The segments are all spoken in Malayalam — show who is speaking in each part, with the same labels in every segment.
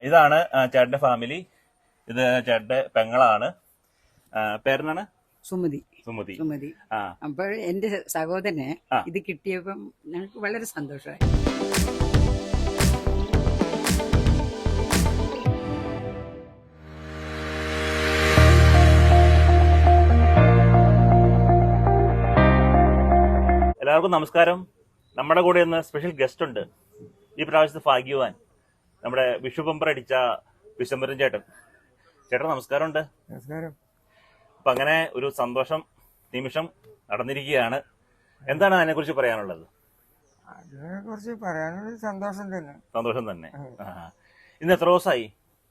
Speaker 1: ഇതാണ് ചേട്ടന്റെ ഫാമിലി. ഇത് ചേട്ടന്റെ പെങ്ങളാണ്. പേരെന്താണ്?
Speaker 2: സുമതി.
Speaker 1: സുമതി.
Speaker 2: സുമതി. അപ്പോൾ എന്റെ സഹോദരനെ ഇത് കിട്ടിയപ്പം ഞങ്ങൾക്ക് വളരെ സന്തോഷമായി.
Speaker 1: എല്ലാവർക്കും നമസ്കാരം. നമ്മുടെ കൂടെ ഇന്ന് സ്പെഷ്യൽ ഗസ്റ്റ് ഉണ്ട്. ഈ പ്രാവശ്യത്തെ ഭാഗ്യവാൻ നമ്മുടെ വിഷു ബമ്പർ അടിച്ച വിശ്വംഭരൻ ചേട്ടൻ. ചേട്ടൻ നമസ്കാരമുണ്ട്.
Speaker 3: നമസ്കാരം.
Speaker 1: അപ്പൊ അങ്ങനെ ഒരു സന്തോഷം നിമിഷം നടന്നിരിക്കുകയാണ്. എന്താണ് അതിനെ കുറിച്ച് പറയാനുള്ളത്?
Speaker 3: അതിനെ കുറിച്ച് പറയാനുള്ളത് സന്തോഷം തന്നെ.
Speaker 1: സന്തോഷം തന്നെ. ഇന്ന് എത്ര ദിവസമായി?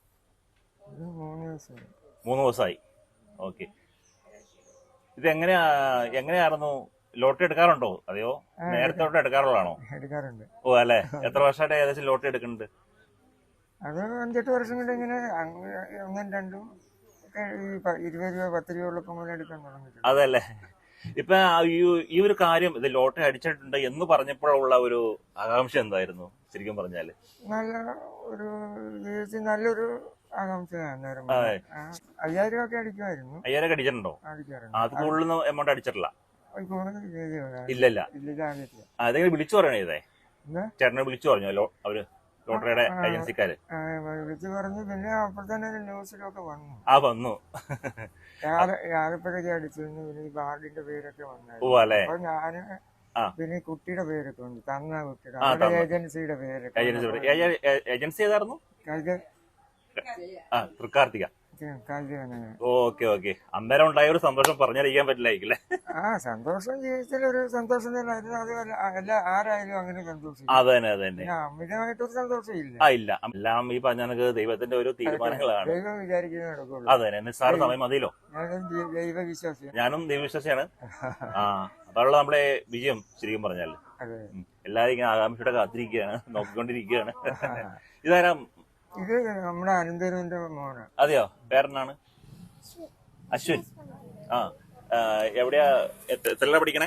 Speaker 3: 3 ദിവസമായി.
Speaker 1: 3 ദിവസമായി. ഓക്കെ. ഇത് എങ്ങനെയായിരുന്നു? ലോട്ടറി എടുക്കാറുണ്ടോ? അതെയോ നേരത്തെ എടുക്കാറുള്ളതാണോ?
Speaker 3: എടുക്കാറുണ്ട്.
Speaker 1: ഓ അല്ലെ. എത്ര വർഷമായിട്ട് ഏകദേശം ലോട്ടറി എടുക്കുന്നുണ്ട്?
Speaker 3: അത് 5-8 വർഷം കൊണ്ട് ഇങ്ങനെ 1-2 ഒക്കെ 20 രൂപ 10 രൂപ ഉള്ളപ്പോൾ മുതൽ എടുക്കാൻ തുടങ്ങിയിട്ടുണ്ട്.
Speaker 1: അതല്ലേ. ഇപ്പൊ ഈ ഒരു കാര്യം ഇത് ലോട്ടറി അടിച്ചിട്ടുണ്ട് എന്ന് പറഞ്ഞപ്പോഴുള്ള ഒരു ആകാംക്ഷ എന്തായിരുന്നു ശരിക്കും പറഞ്ഞാല്?
Speaker 3: നല്ല ഒരു ജീവിതത്തിൽ നല്ലൊരു ആകാംക്ഷയാണ്. 5000 ഒക്കെ അടിക്കുമായിരുന്നു.
Speaker 1: 5000 അടിച്ചിട്ടുണ്ടോ?
Speaker 3: അടിക്കാറുണ്ട്.
Speaker 1: അത് കൂടുതൽ എമൗണ്ട് അടിച്ചിട്ടില്ല.
Speaker 3: ഇല്ല.
Speaker 1: അതെങ്ങനെ വിളിച്ചു പറയണേ? ഇതേ ചേട്ടനെ വിളിച്ചു പറഞ്ഞല്ലോ അവര് ലോട്ടറിയുടെ ഏജൻസിക്കാര്?
Speaker 3: വിളിച്ചു പറഞ്ഞു. പിന്നെ അപ്പോൾ തന്നെ ന്യൂസിലൊക്കെ വന്നു.
Speaker 1: വന്നു.
Speaker 3: ആലപ്പുഴയ്ക്ക് അടിച്ചിരുന്നു. പിന്നെ ഈ വാർഡിന്റെ പേരൊക്കെ വന്നു.
Speaker 1: ഓ അല്ലെ.
Speaker 3: അപ്പൊ ഞാന് പിന്നെ കുട്ടിയുടെ പേരൊക്കെ ഉണ്ട്. തന്ന കുട്ടിയുടെ ഏജൻസിയുടെ പേരൊക്കെ.
Speaker 1: ഏജൻസി ഏതായിരുന്നു? തൃക്കാർത്തിക. Okay okay. അന്നേരം ഉണ്ടായ ഒരു സന്തോഷം പറഞ്ഞറിയിക്കാൻ പറ്റില്ലായിരിക്കും.
Speaker 3: സന്തോഷം ജീവിതത്തിൽ ഒരു സന്തോഷം തന്നെയായിരുന്നു. അത് ആരായാലും അങ്ങനെ സന്തോഷം.
Speaker 1: അത് തന്നെ.
Speaker 3: അമിതമായിട്ടൊരു സന്തോഷം ഇല്ല.
Speaker 1: ഇല്ല. എല്ലാം ഈ പറഞ്ഞ ദൈവത്തിന്റെ ഒരു തീരുമാനങ്ങളാണ്.
Speaker 3: ദൈവം വിചാരിക്കുന്നേ നടക്കുള്ളൂ.
Speaker 1: അത് തന്നെ. നിസ്സാര സമയം മതിയല്ലോ.
Speaker 3: ദൈവവിശ്വാസിയാണ്.
Speaker 1: ഞാനും ദൈവവിശ്വാസിയാണ്. അതുള്ള നമ്മുടെ വിജയം ശരിക്കും പറഞ്ഞാൽ എല്ലാരും ഇങ്ങനെ ആകാംക്ഷയുടെ കാത്തിരിക്കുകയാണ്, നോക്കിക്കൊണ്ടിരിക്കുകയാണ്. ഇതാരാ?
Speaker 3: ഇത് നമ്മുടെ അനന്തരവന്റെ മോനാണ്.
Speaker 1: അതെയോ? പേരെന്നാണ്? അശ്വിൻ. എവിടെയാ? എത്രയിലാ പഠിക്കണേ?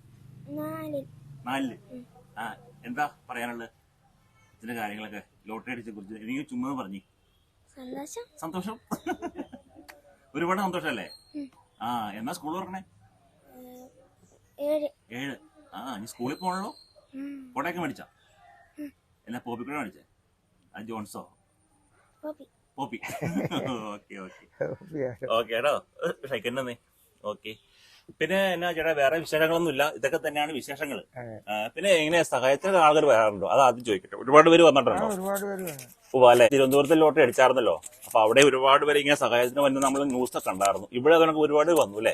Speaker 1: 4. എന്താ പറയാനുള്ളത് ഇതിന്റെ കാര്യങ്ങളൊക്കെ? ലോട്ടറി അടിച്ചെ കുറിച്ച് എനിക്ക് ചുമ്മാ പറഞ്ഞു. സന്തോഷം. ഒരുപാട് സന്തോഷല്ലേ? എന്നാ സ്കൂൾ തുറക്കണേ? 7. നീ സ്കൂളിൽ പോകണല്ലോ. കൊടയൊക്കെ മേടിച്ചാ? എന്നാ പോപ്പിക്കൂടെ മേടിച്ചേ? ജോൺസോ? പോപ്പി. ഓക്കെ കേട്ടോ. ഷൈക്കന്നെ. ഓക്കെ. പിന്നെ എന്നാ ചേട്ടാ വേറെ വിശേഷങ്ങളൊന്നും ഇല്ല. ഇതൊക്കെ തന്നെയാണ് വിശേഷങ്ങൾ. പിന്നെ എങ്ങനെയാ സഹായത്തിന് ആളുകൾ വരാറുണ്ടോ? അത് ആദ്യം ചോദിക്കട്ടെ. ഒരുപാട് പേര് വന്നിട്ടുണ്ടോ? ഓ അല്ലെ. തിരുവനന്തപുരത്ത് ലോട്ടറി അടിച്ചായിരുന്നല്ലോ. അപ്പൊ അവിടെ ഒരുപാട് പേര് ഇങ്ങനെ സഹായത്തിന് വന്ന് നമ്മൾ ന്യൂസ് കണ്ടായിരുന്നു. ഇവിടെ അതൊക്കെ ഒരുപാട് വന്നു അല്ലേ?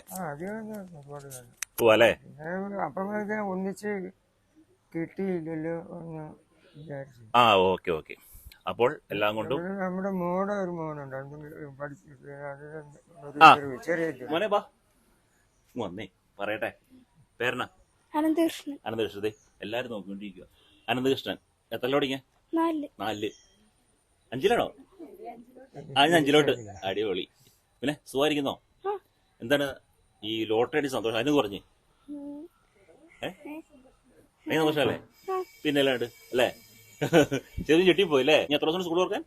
Speaker 1: ഓ അല്ലെ.
Speaker 3: ഒന്നിച്ച് കിട്ടിയില്ലല്ലോ എന്ന് വിചാരിച്ചു.
Speaker 1: Okay okay. അപ്പോൾ എല്ലാം കൊണ്ടും
Speaker 3: നമ്മുടെ മോടെ ഒരു മോനുണ്ട്.
Speaker 1: മോനെ ബാ വന്നേ പറയട്ടെ. പേരെന്നാ?
Speaker 4: അനന്തകൃഷ്ണൻ.
Speaker 1: അനന്തകൃഷ്ണൻ. എല്ലാരും നോക്കിക്കൊണ്ടിരിക്കുക. അനന്തകൃഷ്ണൻ എത്രല്ലോ പഠിക്കാൻ? 4. 5-ലാണോ? 5-ലോട്ട്. അടിപൊളി. പിന്നെ സുഖമായിരിക്കുന്നോ? എന്താണ് ഈ ലോട്ടറി അടി സന്തോഷം? അതിന് പറഞ്ഞേ സന്തോഷല്ലേ? പിന്നെ അല്ലാണ്ട് അല്ലേ? ചെറിയ ചെട്ടിപ്പോയി അല്ലേ? ഇനി എത്ര ദിവസം സ്കൂൾ തുറക്കാൻ?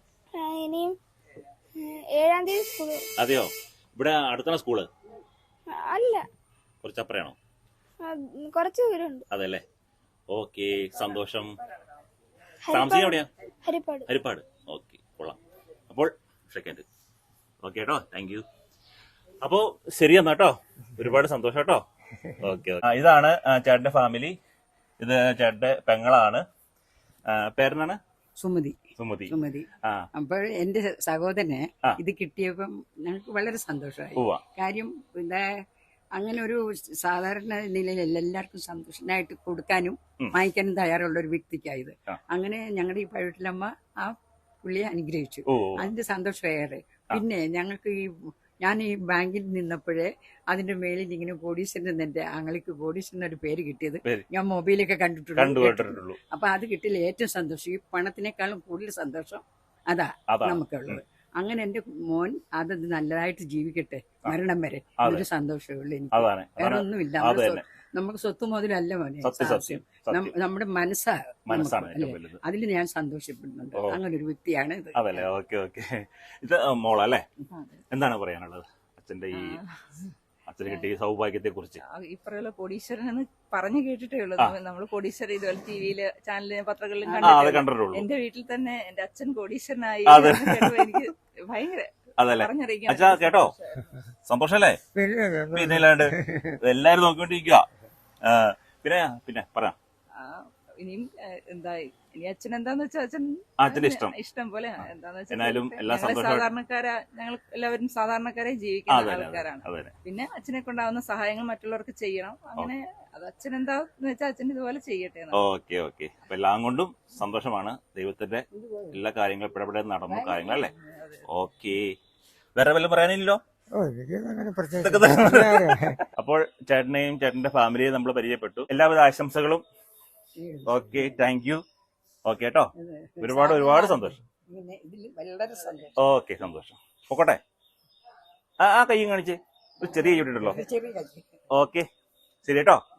Speaker 4: 7-ാം തീയതി.
Speaker 1: അതെയോ? ഇവിടെ അടുത്താണ് സ്കൂള്?
Speaker 4: അല്ല,
Speaker 1: കുറച്ചപ്പുറയാണോ?
Speaker 4: കുറച്ച് ദൂരമുണ്ട്.
Speaker 1: അതെല്ലേ. ഓക്കെ. സന്തോഷം. താമസിക്കാൻ എവിടെയാ? ഹരിപ്പാട്. ഓക്കെ, കൊള്ളാം. അപ്പോൾ സെക്കൻഡ്. ഓക്കെ കേട്ടോ. Thank you. അപ്പോ ശരി എന്നാ കേട്ടോ. ഒരുപാട് സന്തോഷം കേട്ടോ. ഓക്കെ. ഇതാണ് ചേട്ടന്റെ ഫാമിലി. ഇത് ചേട്ടന്റെ പെങ്ങളാണ്. പേരെന്നാണ്?
Speaker 2: സുമതി.
Speaker 1: സുമതി.
Speaker 2: സുമതി. അപ്പോൾ എന്റെ സഹോദരനെ ഇത് കിട്ടിയപ്പം ഞങ്ങൾക്ക് വളരെ സന്തോഷമായി. കാര്യം അങ്ങനെ ഒരു സാധാരണ നിലയിൽ എല്ലാവർക്കും സന്തോഷമായിട്ട് കൊടുക്കാനും വാങ്ങിക്കാനും തയ്യാറുള്ള ഒരു വ്യക്തിക്കായത്. അങ്ങനെ ഞങ്ങളുടെ ഈ പഴുട്ടിലമ്മ ആ പുള്ളിയെ അനുഗ്രഹിച്ചു. അതിന്റെ സന്തോഷം ഏറെ. പിന്നെ ഞങ്ങൾക്ക് ഞാൻ ഈ ബാങ്കിൽ നിന്നപ്പോഴേ അതിന്റെ മേലിൽ ഇങ്ങനെ കോടീശ്വരൻ, എന്റെ ആങ്ങൾക്ക് കോടീശ്വരൻ ഒരു പേര് കിട്ടിയത് ഞാൻ മൊബൈലൊക്കെ കണ്ടിട്ടുള്ളൂ. അപ്പൊ അത് കിട്ടിയില്ല. ഏറ്റവും സന്തോഷം, ഈ പണത്തിനേക്കാളും കൂടുതൽ സന്തോഷം അതാ നമുക്കുള്ളത്. അങ്ങനെ എന്റെ മോൻ അത് നല്ലതായിട്ട് ജീവിക്കട്ടെ മരണം വരെ. അതൊരു സന്തോഷമേ ഉള്ളൂ എനിക്ക്. വേറെ ഒന്നുമില്ല. നമുക്ക് സ്വത്ത് മുതലല്ല മോനെ
Speaker 1: സത്യം
Speaker 2: സാക്ഷ്യം.
Speaker 1: സത്യം
Speaker 2: നമ്മുടെ മനസ്സാ
Speaker 1: മനസ്സാണ്
Speaker 2: നമുക്ക്,
Speaker 1: ഏറ്റവും
Speaker 2: അല്ലേ?
Speaker 1: വലുത്.
Speaker 2: അതിൽ ഞാൻ സന്തോഷപ്പെടുന്നുണ്ട്. അങ്ങനെ ഒരു വ്യക്തിയാണ് ഇത്.
Speaker 1: അതല്ലേ, ഓക്കെ ഓക്കെ. ഇത് മോളല്ലേ, എന്താണ് പറയാനുള്ളത് അച്ഛന്റെ ഈ അച്ഛന് കിട്ടിയ സൗഭാഗ്യത്തെ കുറിച്ച്?
Speaker 5: ഇപ്പറയുള്ള കോടീശ്വരൻ എന്ന് പറഞ്ഞു കേട്ടിട്ടേ ഉള്ളൂ. നമ്മൾ കോടീശ്വരൻ ഇതുപോലെ ടിവിയില് ചാനലില് പത്രങ്ങളിലും
Speaker 1: അത് കണ്ടിട്ടുള്ളൂ.
Speaker 5: എന്റെ വീട്ടിൽ തന്നെ എന്റെ അച്ഛൻ കോടീശ്വരനായി
Speaker 1: അതെ.
Speaker 5: എന്ന് കേട്ടപ്പോൾ എനിക്ക് ഭയങ്കര
Speaker 1: അതല്ലേ
Speaker 5: പറഞ്ഞറിയിക്കാൻ
Speaker 1: അച്ഛാ, കേട്ടോ സന്തോഷല്ലേ? പിന്നെ അല്ലാണ്ട് എല്ലാരും നോക്കിക്കൊണ്ടിരിക്കുക. പിന്നെ പിന്നെ പറയാം
Speaker 5: ഇനിയും എന്താ ഇനി അച്ഛൻ എന്താന്ന് വെച്ചാൽ
Speaker 1: അച്ഛന്റെ ഇഷ്ടം
Speaker 5: പോലെ എന്താന്ന്
Speaker 1: എന്നാലും എല്ലാ
Speaker 5: വെച്ചാൽ സാധാരണക്കാരാ, ഞങ്ങൾ എല്ലാവരും സാധാരണക്കാരെ ജീവിക്കുന്ന ആൾക്കാരാണ്.
Speaker 1: അതെ.
Speaker 5: പിന്നെ അച്ഛനെ കൊണ്ടാവുന്ന സഹായങ്ങൾ മറ്റുള്ളവർക്ക് ചെയ്യണം. അങ്ങനെ അത് അച്ഛൻ എന്താന്ന് വെച്ചാൽ അച്ഛൻ ഇതുപോലെ ചെയ്യട്ടെ.
Speaker 1: Okay okay. അപ്പൊ എല്ലാം കൊണ്ടും സന്തോഷമാണ്. ദൈവത്തിന്റെ എല്ലാ കാര്യങ്ങളും ഇടപെടെ നടന്നു കാര്യങ്ങൾ അല്ലേ? ഓക്കെ. വേറെ വല്ലതും പറയാനില്ലല്ലോ? അപ്പോൾ ചേട്ടനെയും ചേട്ടന്റെ ഫാമിലിയെയും നമ്മൾ പരിചയപ്പെട്ടു. എല്ലാവിധ ആശംസകളും. Okay, thank you. ഓക്കെ കേട്ടോ, ഒരുപാട് സന്തോഷം.
Speaker 2: വളരെ സന്തോഷം.
Speaker 1: ഓക്കെ, സന്തോഷം. പൊക്കോട്ടെ. ആ കയ്യും കാണിച്ച് ഒരു ചെറിയ കൈ ഇട്ടിട്ടുള്ളൂ. ഓക്കെ, ശരി കേട്ടോ.